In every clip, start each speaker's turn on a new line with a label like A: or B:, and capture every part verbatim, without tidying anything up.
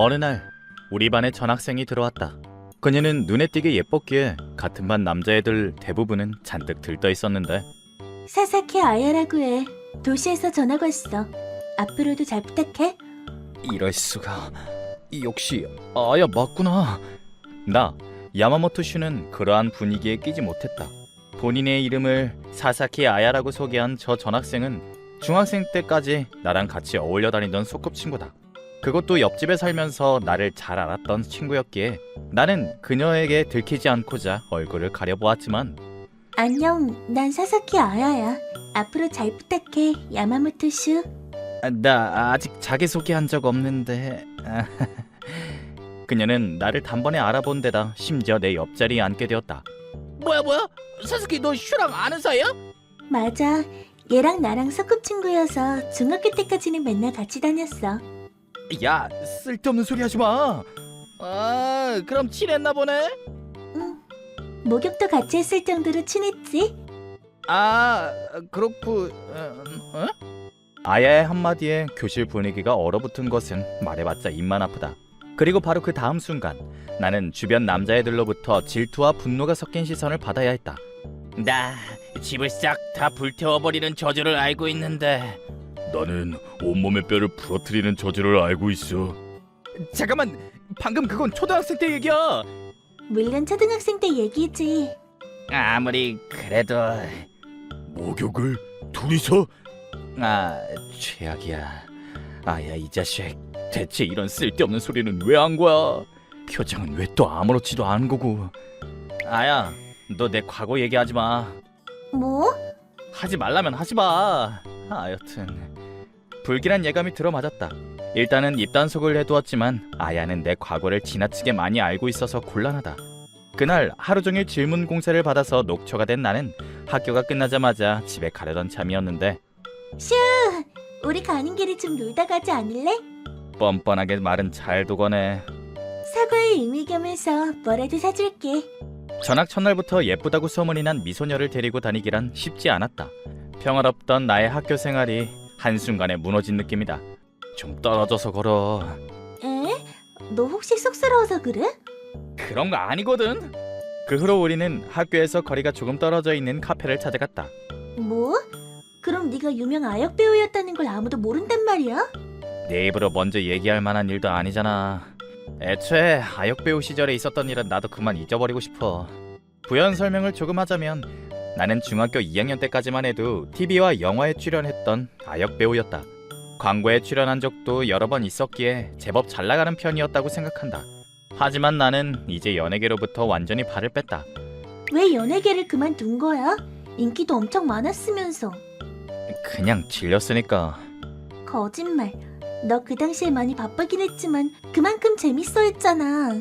A: 어느 날 우리 반에 전학생이 들어왔다. 그녀는 눈에 띄게 예뻤기에 같은 반 남자애들 대부분은 잔뜩 들떠 있었는데
B: 사사키 아야라고 해. 도시에서 전학 왔어. 앞으로도 잘 부탁해.
A: 이럴 수가. 역시 아야 맞구나. 나 야마모토 슈는 그러한 분위기에 끼지 못했다. 본인의 이름을 사사키 아야라고 소개한 저 전학생은 중학생 때까지 나랑 같이 어울려 다니던 소꿉친구다. 그것도 옆집에 살면서 나를 잘 알았던 친구였기에 나는 그녀에게 들키지 않고자 얼굴을 가려보았지만
B: 안녕, 난 사사키 아야야. 앞으로 잘 부탁해, 야마모토 슈.
A: 나 아직 자기소개한 적 없는데. 그녀는 나를 단번에 알아본 데다 심지어 내 옆자리에 앉게 되었다.
C: 뭐야 뭐야? 사스키 너 슈랑 아는 사이야?
B: 맞아. 얘랑 나랑 소꿉친구여서 중학교 때까지는 맨날 같이 다녔어.
A: 야, 쓸데없는 소리 하지 마.
C: 아 그럼 친했나 보네?
B: 응. 목욕도 같이 했을 정도로 친했지.
C: 아 그렇고 어? 어?
A: 아야의 한마디에 교실 분위기가 얼어붙은 것은 말해봤자 입만 아프다. 그리고 바로 그 다음 순간 나는 주변 남자애들로부터 질투와 분노가 섞인 시선을 받아야 했다.
C: 나 집을 싹 다 불태워버리는 저주를 알고 있는데.
D: 나는 온몸의 뼈를 부러뜨리는 저주를 알고 있어.
A: 잠깐만, 방금 그건 초등학생 때 얘기야.
B: 물론 초등학생 때 얘기지.
C: 아무리 그래도
D: 목욕을 둘이서?
A: 아, 최악이야. 아야, 이 자식. 대체 이런 쓸데없는 소리는 왜 한 거야? 표정은 왜 또 아무렇지도 않은 거고. 아야, 너 내 과거 얘기하지 마.
B: 뭐?
A: 하지 말라면 하지 마. 아, 여튼 불길한 예감이 들어맞았다. 일단은 입단속을 해두었지만 아야는 내 과거를 지나치게 많이 알고 있어서 곤란하다. 그날 하루 종일 질문 공세를 받아서 녹초가 된 나는 학교가 끝나자마자 집에 가려던 참이었는데
B: 슈! 우리 가는 길에 좀 놀다 가지 않을래?
A: 뻔뻔하게 말은 잘 도거네.
B: 사과의 의미 겸해서 뭐라도 사줄게.
A: 전학 첫날부터 예쁘다고 소문이 난 미소녀를 데리고 다니기란 쉽지 않았다. 평화롭던 나의 학교 생활이 한순간에 무너진 느낌이다. 좀 떨어져서 걸어.
B: 에? 너 혹시 쑥스러워서 그래?
A: 그런 거 아니거든. 그 후로 우리는 학교에서 거리가 조금 떨어져 있는 카페를 찾아갔다.
B: 뭐? 그럼 네가 유명 아역 배우였다는 걸 아무도 모른단 말이야?
A: 내 입으로 먼저 얘기할 만한 일도 아니잖아. 애초에 아역 배우 시절에 있었던 일은 나도 그만 잊어버리고 싶어. 부연 설명을 조금 하자면 나는 중학교 이 학년 때까지만 해도 티비와 영화에 출연했던 아역 배우였다. 광고에 출연한 적도 여러 번 있었기에 제법 잘 나가는 편이었다고 생각한다. 하지만 나는 이제 연예계로부터 완전히 발을 뺐다.
B: 왜 연예계를 그만둔 거야? 인기도 엄청 많았으면서.
A: 그냥 질렸으니까.
B: 거짓말. 너 그 당시에 많이 바쁘긴 했지만 그만큼 재밌어 했잖아.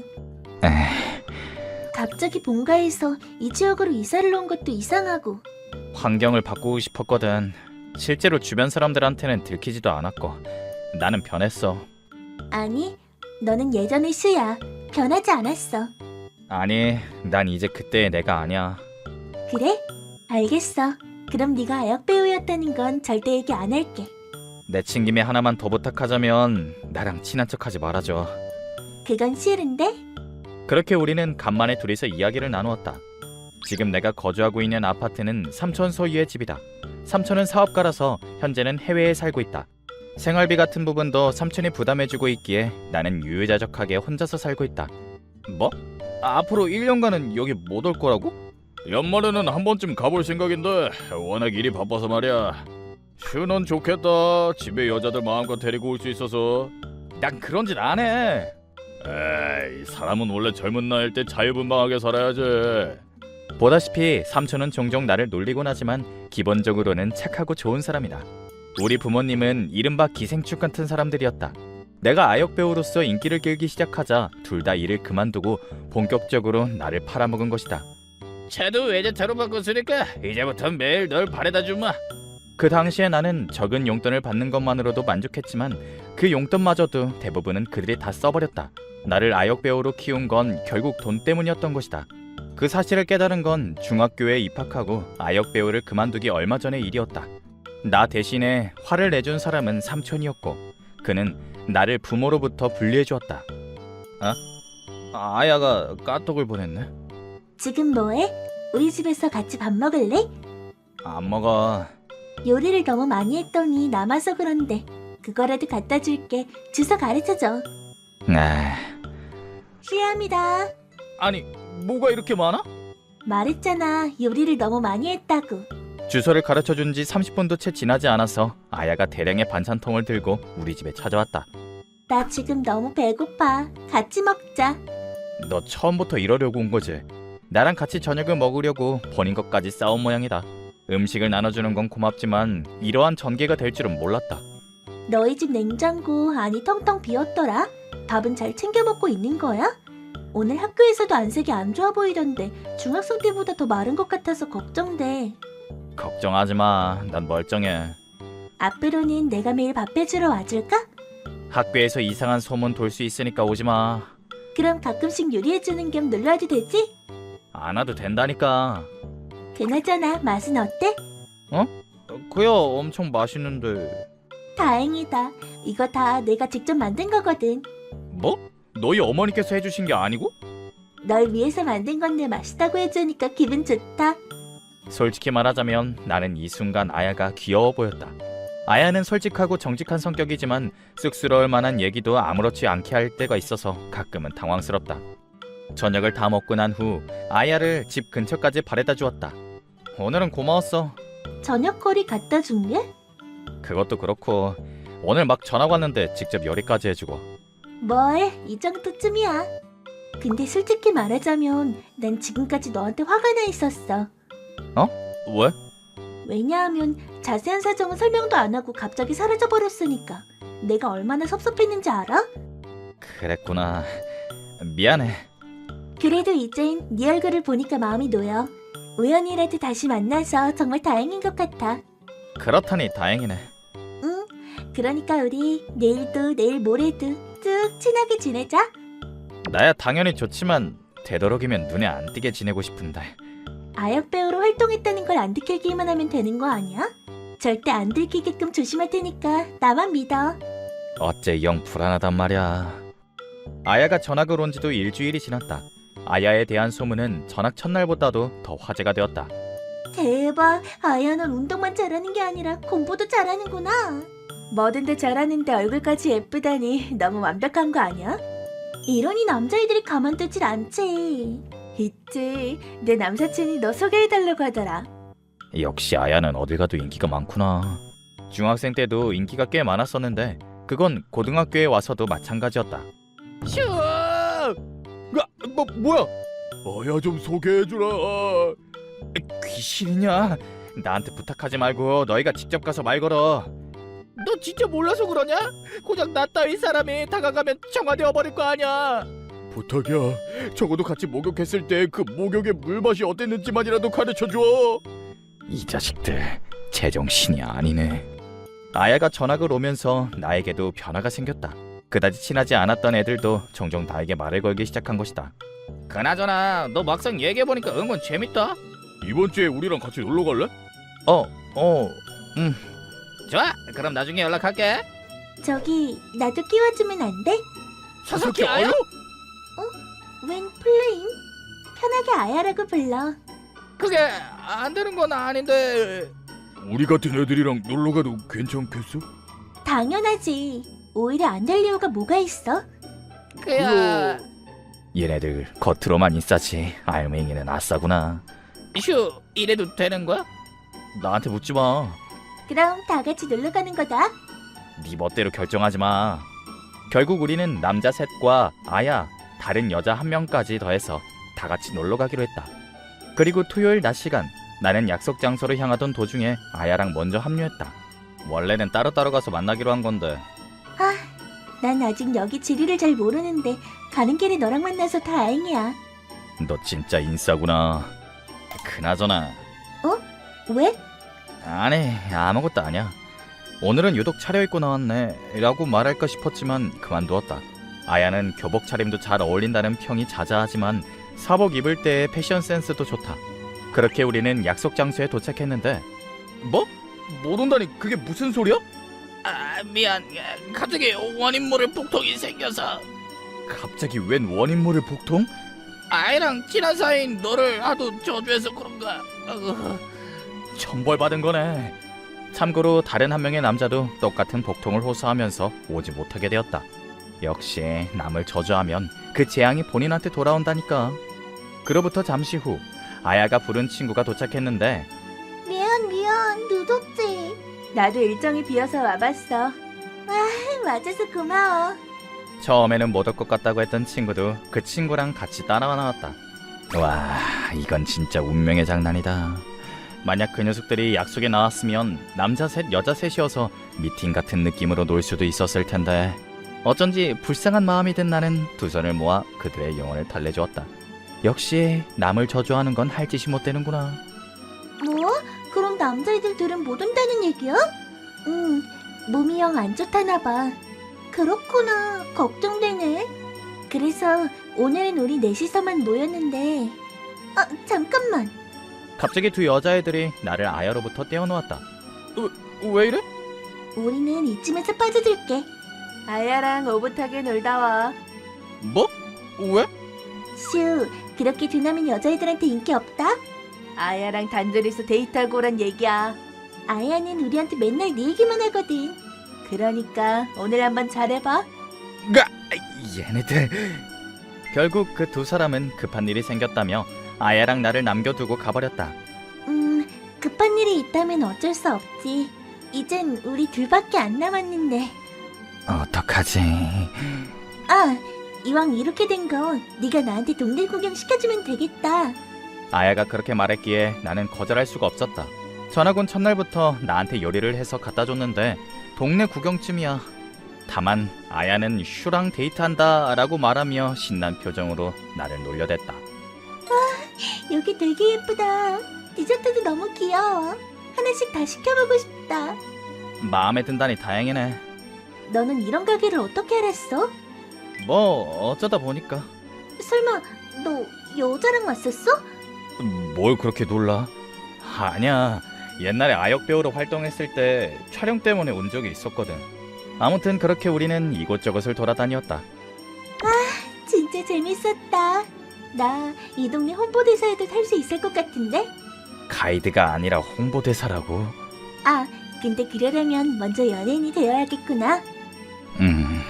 A: 에휴,
B: 갑자기 본가에서 이 지역으로 이사를 온 것도 이상하고.
A: 환경을 바꾸고 싶었거든. 실제로 주변 사람들한테는 들키지도 않았고 나는 변했어.
B: 아니, 너는 예전의 슈야. 변하지 않았어.
A: 아니, 난 이제 그때의 내가 아니야.
B: 그래? 알겠어. 그럼 네가 아역 배우였다는 건 절대 얘기 안 할게.
A: 내친 김에 하나만 더 부탁하자면 나랑 친한 척하지 말아줘.
B: 그건 싫은데?
A: 그렇게 우리는 간만에 둘이서 이야기를 나누었다. 지금 내가 거주하고 있는 아파트는 삼촌 소유의 집이다. 삼촌은 사업가라서 현재는 해외에 살고 있다. 생활비 같은 부분도 삼촌이 부담해주고 있기에 나는 유유자적하게 혼자서 살고 있다. 뭐? 앞으로 일 년간은 여기 못 올 거라고?
D: 연말에는 한 번쯤 가볼 생각인데 워낙 일이 바빠서 말이야. 슈는 좋겠다. 집에 여자들 마음껏 데리고 올 수 있어서.
A: 난 그런 짓 안 해.
D: 에이, 사람은 원래 젊은 나이일 때 자유분방하게 살아야지.
A: 보다시피 삼촌은 종종 나를 놀리곤 하지만 기본적으로는 착하고 좋은 사람이다. 우리 부모님은 이른바 기생충 같은 사람들이었다. 내가 아역 배우로서 인기를 끌기 시작하자 둘 다 일을 그만두고 본격적으로 나를 팔아먹은 것이다.
C: 차도 외제차로 바꿨으니까 이제부터 매일 널 바래다 주마.
A: 그 당시에 나는 적은 용돈을 받는 것만으로도 만족했지만 그 용돈마저도 대부분은 그들이 다 써버렸다. 나를 아역 배우로 키운 건 결국 돈 때문이었던 것이다. 그 사실을 깨달은 건 중학교에 입학하고 아역 배우를 그만두기 얼마 전의 일이었다. 나 대신에 화를 내준 사람은 삼촌이었고 그는 나를 부모로부터 분리해 주었다. 아? 아야가 까톡을 보냈네.
B: 지금 뭐해? 우리 집에서 같이 밥 먹을래?
A: 안 먹어.
B: 요리를 너무 많이 했더니 남아서 그런데 그거라도 갖다 줄게. 주소 가르쳐줘.
A: 아,
B: 실례합니다.
A: 아니 뭐가 이렇게 많아?
B: 말했잖아. 요리를 너무 많이 했다고.
A: 주소를 가르쳐 준 지 삼십 분도 채 지나지 않아서 아야가 대량의 반찬통을 들고 우리 집에 찾아왔다.
B: 나 지금 너무 배고파. 같이 먹자.
A: 너 처음부터 이러려고 온 거지? 나랑 같이 저녁을 먹으려고 본인 것까지 싸운 모양이다. 음식을 나눠주는 건 고맙지만 이러한 전개가 될 줄은 몰랐다.
B: 너희 집 냉장고 안이 텅텅 비었더라. 밥은 잘 챙겨 먹고 있는 거야? 오늘 학교에서도 안색이 안 좋아 보이던데 중학생 때보다 더 마른 것 같아서 걱정돼.
A: 걱정하지 마. 난 멀쩡해.
B: 앞으로는 내가 매일 밥 해주러 와줄까?
A: 학교에서 이상한 소문 돌 수 있으니까 오지 마.
B: 그럼 가끔씩 요리해주는 겸 놀러와도 되지?
A: 안 와도 된다니까.
B: 그나저나 맛은 어때?
A: 그야 엄청 맛있는데.
B: 다행이다. 이거 다 내가 직접 만든 거거든.
A: 뭐? 너희 어머니께서 해주신 게 아니고?
B: 널 위해서 만든 건데 맛있다고 해주니까 기분 좋다.
A: 솔직히 말하자면 나는 이 순간 아야가 귀여워 보였다. 아야는 솔직하고 정직한 성격이지만 쑥스러울 만한 얘기도 아무렇지 않게 할 때가 있어서 가끔은 당황스럽다. 저녁을 다 먹고 난 후 아야를 집 근처까지 바래다 주었다. 오늘은 고마웠어.
B: 저녁거리 갖다 준 게?
A: 그것도 그렇고 오늘 막 전화 왔는데 직접 요리까지 해주고.
B: 뭘, 이 정도쯤이야. 근데 솔직히 말하자면 난 지금까지 너한테 화가 나 있었어.
A: 왜?
B: 왜냐하면 자세한 사정은 설명도 안 하고 갑자기 사라져버렸으니까. 내가 얼마나 섭섭했는지 알아?
A: 그랬구나. 미안해.
B: 그래도 이젠 네 얼굴을 보니까 마음이 놓여. 우연이라도 다시 만나서 정말 다행인 것 같아.
A: 그렇다니 다행이네.
B: 응, 그러니까 우리 내일도 내일 모레도 쭉 친하게 지내자.
A: 나야 당연히 좋지만 되도록이면 눈에 안 띄게 지내고 싶은데.
B: 아역 배우로 활동했다는 걸 안 들키기만 하면 되는 거 아니야? 절대 안 들키게끔 조심할 테니까 나만 믿어.
A: 어째 영 불안하단 말이야. 아야가 전학을 온 지도 일주일이 지났다. 아야에 대한 소문은 전학 첫날보다도 더 화제가 되었다.
B: 대박, 아야는 운동만 잘하는 게 아니라 공부도 잘하는구나. 뭐든 다 잘하는데 얼굴까지 예쁘다니 너무 완벽한 거 아니야? 이러니 남자애들이 가만두질 않지. 있지, 내 남사친이 너 소개해달라고 하더라.
A: 역시 아야는 어딜 가도 인기가 많구나. 중학생 때도 인기가 꽤 많았었는데 그건 고등학교에 와서도 마찬가지였다.
C: 슈!
D: 야, 뭐 뭐야? 아야 좀 소개해주라.
A: 귀신이냐? 나한테 부탁하지 말고 너희가 직접 가서 말 걸어.
C: 너 진짜 몰라서 그러냐? 고작 나 따위 사람이 다가가면 정화되어 버릴 거 아니야.
D: 부탁이야. 적어도 같이 목욕했을 때 그 목욕의 물맛이 어땠는지만이라도 가르쳐줘.
A: 이 자식들 제정신이 아니네. 아야가 전학을 오면서 나에게도 변화가 생겼다. 그다지 친하지 않았던 애들도 종종 나에게 말을 걸기 시작한 것이다.
C: 그나저나 너 막상 얘기해보니까 은근 재밌다.
D: 이번 주에 우리랑 같이 놀러 갈래?
A: 어, 어, 음.
C: 좋아, 그럼 나중에 연락할게.
B: 저기 나도 끼워주면 안 돼?
C: 사사키 아야?
B: 웬 플레임? 편하게 아야라고 불러.
C: 그게 안 되는 건 아닌데.
D: 우리 같은 애들이랑 놀러 가도 괜찮겠어?
B: 당연하지. 오히려 안 될 이유가 뭐가 있어?
C: 그야
A: 얘네들 겉으로만 인싸지 알맹이는 아싸구나.
C: 슈, 이래도 되는 거야?
A: 나한테 묻지 마.
B: 그럼 다 같이 놀러 가는 거다.
A: 네 멋대로 결정하지 마. 결국 우리는 남자 셋과 아야, 다른 여자 한 명까지 더해서 다 같이 놀러 가기로 했다. 그리고 토요일 낮 시간 나는 약속 장소로 향하던 도중에 아야랑 먼저 합류했다. 원래는 따로따로 가서 만나기로 한 건데.
B: 아, 난 아직 여기 지리를 잘 모르는데 가는 길에 너랑 만나서 다행이야.
A: 너 진짜 인싸구나. 그나저나
B: 왜?
A: 아니 아무것도 아니야. 오늘은 유독 차려입고 나왔네 라고 말할까 싶었지만 그만두었다. 아야는 교복 차림도 잘 어울린다는 평이 자자하지만 사복 입을 때의 패션 센스도 좋다. 그렇게 우리는 약속 장소에 도착했는데
D: 뭐? 못 온다니 그게 무슨 소리야?
C: 아, 아, 미안. 갑자기 원인모를 폭통이 생겨서
A: 갑자기 웬 원인모를 복통?
C: 아이랑 친한 사이인 너를 하도 저주해서 그런가. 어,
A: 천벌받은 거네. 참고로 다른 한 명의 남자도 똑같은 복통을 호소하면서 오지 못하게 되었다. 역시 남을 저주하면 그 재앙이 본인한테 돌아온다니까. 그로부터 잠시 후 아야가 부른 친구가 도착했는데
B: 미안 미안 늦었지. 나도 일정이 비어서 와봤어. 아 와줘서 고마워.
A: 처음에는 못 올 것 같다고 했던 친구도 그 친구랑 같이 따라와 나왔다. 와, 이건 진짜 운명의 장난이다. 만약 그 녀석들이 약속에 나왔으면 남자 셋 여자 셋이어서 미팅 같은 느낌으로 놀 수도 있었을 텐데 어쩐지 불쌍한 마음이 든 나는 두 손을 모아 그들의 영혼을 달래주었다. 역시 남을 저주하는 건 할 짓이 못 되는구나.
B: 뭐? 그럼 남자애들들은 못 온다는 얘기야? 응, 몸이 영 안 좋다나 봐. 그렇구나, 걱정되네. 그래서 오늘은 우리 넷이서만 모였는데 아, 잠깐만.
A: 갑자기 두 여자애들이 나를 아야로부터 떼어놓았다. 어, 왜 이래?
B: 우리는 이쯤에서 빠져들게. 아야랑 오붓하게 놀다 와.
A: 뭐? 왜?
B: 슈, 그렇게 두나면 여자애들한테 인기 없다? 아야랑 단둘이서 데이트하고 오란 얘기야. 아야는 우리한테 맨날 네 얘기만 하거든. 그러니까 오늘 한번 잘해봐.
A: 가 얘네들. 결국 그 두 사람은 급한 일이 생겼다며 아야랑 나를 남겨두고 가버렸다.
B: 음, 급한 일이 있다면 어쩔 수 없지. 이젠 우리 둘밖에 안 남았는데.
A: 어떡하지?
B: 아, 이왕 이렇게 된 거 네가 나한테 동네 구경 시켜주면 되겠다.
A: 아야가 그렇게 말했기에 나는 거절할 수가 없었다. 전학 온 첫날부터 나한테 요리를 해서 갖다 줬는데 동네 구경쯤이야. 다만 아야는 슈랑 데이트한다 라고 말하며 신난 표정으로 나를 놀려댔다.
B: 여기 되게 예쁘다. 디저트도 너무 귀여워. 하나씩 다 시켜보고 싶다.
A: 마음에 든다니 다행이네.
B: 너는 이런 가게를 어떻게 알았어?
A: 뭐 어쩌다 보니까.
B: 설마 너 여자랑 왔었어?
A: 뭘 그렇게 놀라? 아니야. 옛날에 아역 배우로 활동했을 때 촬영 때문에 온 적이 있었거든. 아무튼 그렇게 우리는 이곳저곳을 돌아다녔다.
B: 진짜 재밌었다. 나 이 동네 홍보대사에도 탈 수 있을 것 같은데?
A: 가이드가 아니라 홍보대사라고?
B: 아, 근데 그러려면 먼저 연예인이 되어야겠구나.
A: 음...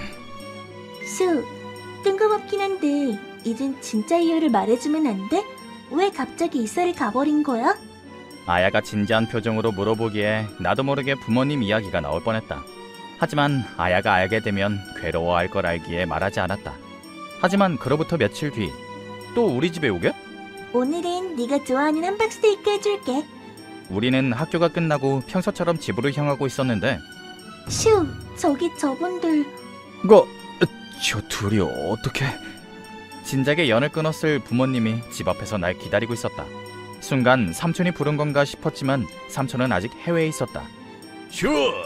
B: 슈, 뜬금없긴 한데 이젠 진짜 이유를 말해주면 안 돼? 왜 갑자기 이사를 가버린 거야?
A: 아야가 진지한 표정으로 물어보기에 나도 모르게 부모님 이야기가 나올 뻔했다. 하지만 아야가 알게 되면 괴로워할 걸 알기에 말하지 않았다. 하지만 그로부터 며칠 뒤 또 우리 집에 오게?
B: 오늘은 네가 좋아하는 함박스테이크 해줄게.
A: 우리는 학교가 끝나고 평소처럼 집으로 향하고 있었는데
B: 슈, 저기 저분들.
A: 뭐? 저 둘이 어떻게? 진작에 연을 끊었을 부모님이 집 앞에서 날 기다리고 있었다. 순간 삼촌이 부른 건가 싶었지만 삼촌은 아직 해외에 있었다.
D: 슈!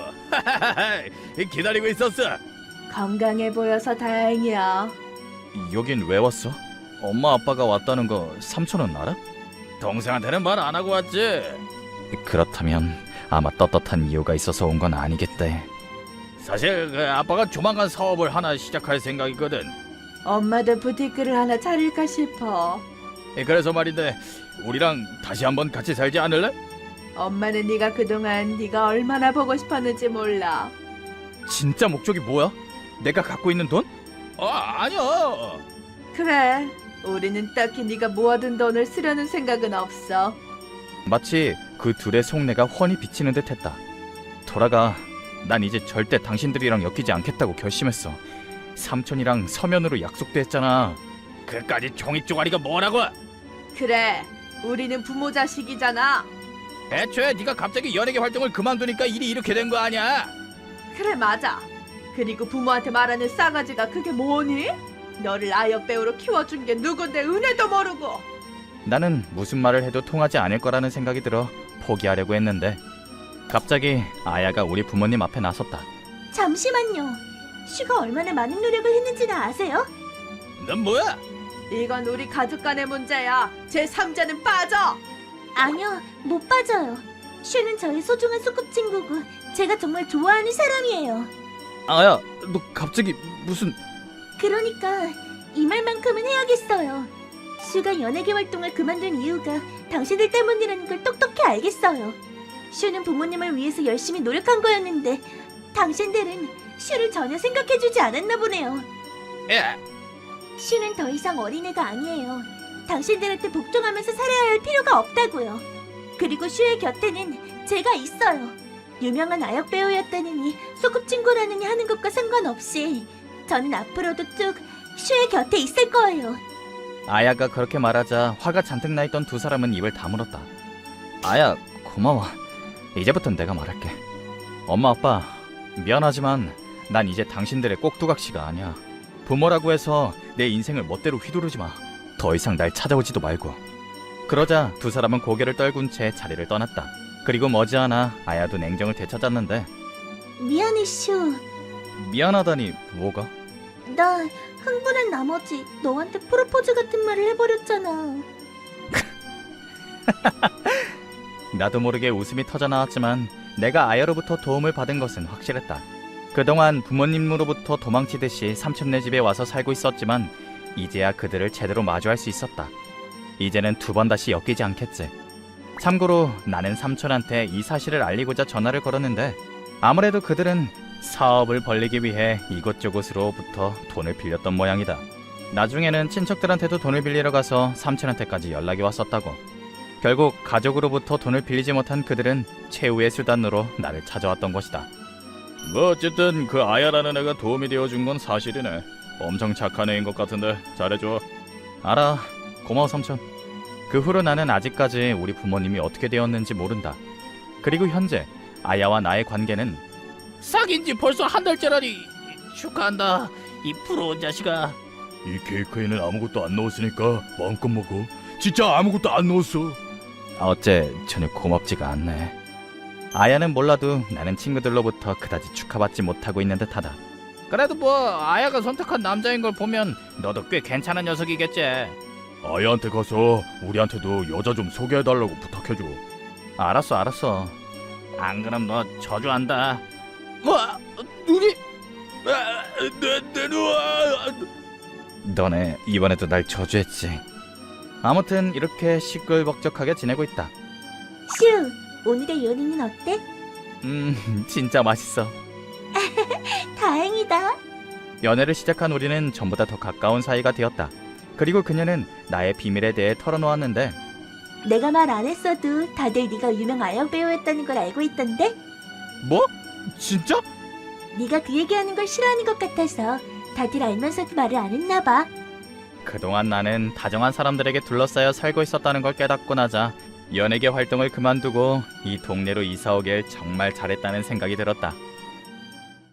D: 기다리고 있었어.
B: 건강해 보여서 다행이야.
A: 여긴 왜 왔어? 엄마 아빠가 왔다는 거 삼촌은 알아?
D: 동생한테는 말 안 하고 왔지.
A: 그렇다면 아마 떳떳한 이유가 있어서 온 건 아니겠대.
D: 사실 그 아빠가 조만간 사업을 하나 시작할 생각이거든.
B: 엄마도 부티크를 하나 차릴까 싶어.
D: 예, 그래서 말인데 우리랑 다시 한번 같이 살지 않을래?
B: 엄마는 네가 그동안 네가 얼마나 보고 싶었는지 몰라.
A: 진짜 목적이 뭐야? 내가 갖고 있는 돈?
D: 아, 아니야.
B: 그래, 우리는 딱히 네가 모아둔 돈을 쓰려는 생각은 없어.
A: 마치 그 둘의 속내가 훤히 비치는 듯했다. 돌아가. 난 이제 절대 당신들이랑 엮이지 않겠다고 결심했어. 삼촌이랑 서면으로 약속도 했잖아.
D: 그까지 종이 쪼가리가 뭐라고?
B: 그래, 우리는 부모 자식이잖아.
D: 애초에 네가 갑자기 연예계 활동을 그만두니까 일이 이렇게 된 거 아니야?
B: 그래, 맞아. 그리고 부모한테 말하는 싸가지가 그게 뭐니? 너를 아역 배우로 키워준 게 누군데 은혜도 모르고.
A: 나는 무슨 말을 해도 통하지 않을 거라는 생각이 들어 포기하려고 했는데 갑자기 아야가 우리 부모님 앞에 나섰다.
B: 잠시만요. 슈가 얼마나 많은 노력을 했는지는 아세요?
D: 넌 뭐야?
B: 이건 우리 가족 간의 문제야. 제삼자는 빠져. 아니요, 못 빠져요. 슈는 저의 소중한 소꿉친구고 제가 정말 좋아하는 사람이에요.
A: 아야, 너 갑자기 무슨...
B: 그러니까 이 말만큼은 해야겠어요. 슈가 연예계 활동을 그만둔 이유가 당신들 때문이라는 걸 똑똑히 알겠어요. 슈는 부모님을 위해서 열심히 노력한 거였는데 당신들은 슈를 전혀 생각해주지 않았나 보네요.
C: 야,
B: 슈는 더 이상 어린애가 아니에요. 당신들한테 복종하면서 살아야 할 필요가 없다고요. 그리고 슈의 곁에는 제가 있어요. 유명한 아역 배우였다느니 소꿉친구라느니 하는 것과 상관없이 저는 앞으로도 쭉 슈의 곁에 있을 거예요.
A: 아야가 그렇게 말하자 화가 잔뜩 나 있던 두 사람은 입을 다물었다. 아야, 고마워. 이제부턴 내가 말할게. 엄마 아빠, 미안하지만 난 이제 당신들의 꼭두각시가 아니야. 부모라고 해서 내 인생을 멋대로 휘두르지 마. 더 이상 날 찾아오지도 말고. 그러자 두 사람은 고개를 떨군 채 자리를 떠났다. 그리고 머지않아 아야도 냉정을 되찾았는데.
B: 미안해 슈.
A: 미안하다니 뭐가?
B: 나 흥분한 나머지 너한테 프로포즈 같은 말을 해버렸잖아.
A: 나도 모르게 웃음이 터져나왔지만 내가 아야로부터 도움을 받은 것은 확실했다. 그동안 부모님으로부터 도망치듯이 삼촌네 집에 와서 살고 있었지만 이제야 그들을 제대로 마주할 수 있었다. 이제는 두 번 다시 엮이지 않겠지. 참고로 나는 삼촌한테 이 사실을 알리고자 전화를 걸었는데 아무래도 그들은 사업을 벌리기 위해 이곳저곳으로부터 돈을 빌렸던 모양이다. 나중에는 친척들한테도 돈을 빌리러 가서 삼촌한테까지 연락이 왔었다고. 결국 가족으로부터 돈을 빌리지 못한 그들은 최후의 수단으로 나를 찾아왔던 것이다.
D: 뭐 어쨌든 그 아야라는 애가 도움이 되어준 건 사실이네. 엄청 착한 애인 것 같은데 잘해줘.
A: 알아. 고마워 삼촌. 그 후로 나는 아직까지 우리 부모님이 어떻게 되었는지 모른다. 그리고 현재 아야와 나의 관계는
C: 사귄 지 벌써 한 달째라니. 축하한다, 이 부러운 자식아.
D: 이 케이크에는 아무것도 안 넣었으니까 마음껏 먹어. 진짜 아무것도 안 넣었어.
A: 어째 전혀 고맙지가 않네. 아야는 몰라도 나는 친구들로부터 그다지 축하받지 못하고 있는 듯하다.
C: 그래도 뭐 아야가 선택한 남자인 걸 보면 너도 꽤 괜찮은 녀석이겠지.
D: 아야한테 가서 우리한테도 여자 좀 소개해달라고 부탁해줘.
A: 알았어 알았어.
C: 안 그럼 너 저주한다. 뭐? 눈이?
D: 아, 내, 내 누아.
A: 너네 이번에도 날 저주했지. 아무튼 이렇게 시끌벅적하게 지내고 있다.
B: 슈, 오늘의 요리는 어때?
A: 음 진짜 맛있어.
B: 다행이다.
A: 연애를 시작한 우리는 전보다 더 가까운 사이가 되었다. 그리고 그녀는 나의 비밀에 대해 털어놓았는데
B: 내가 말 안 했어도 다들 네가 유명 아역 배우였다는 걸 알고 있던데?
C: 뭐? 진짜?
B: 네가 그 얘기하는 걸 싫어하는 것 같아서 다들 알면서도 말을 안 했나 봐.
A: 그동안 나는 다정한 사람들에게 둘러싸여 살고 있었다는 걸 깨닫고 나자 연예계 활동을 그만두고 이 동네로 이사 오길 정말 잘했다는 생각이 들었다.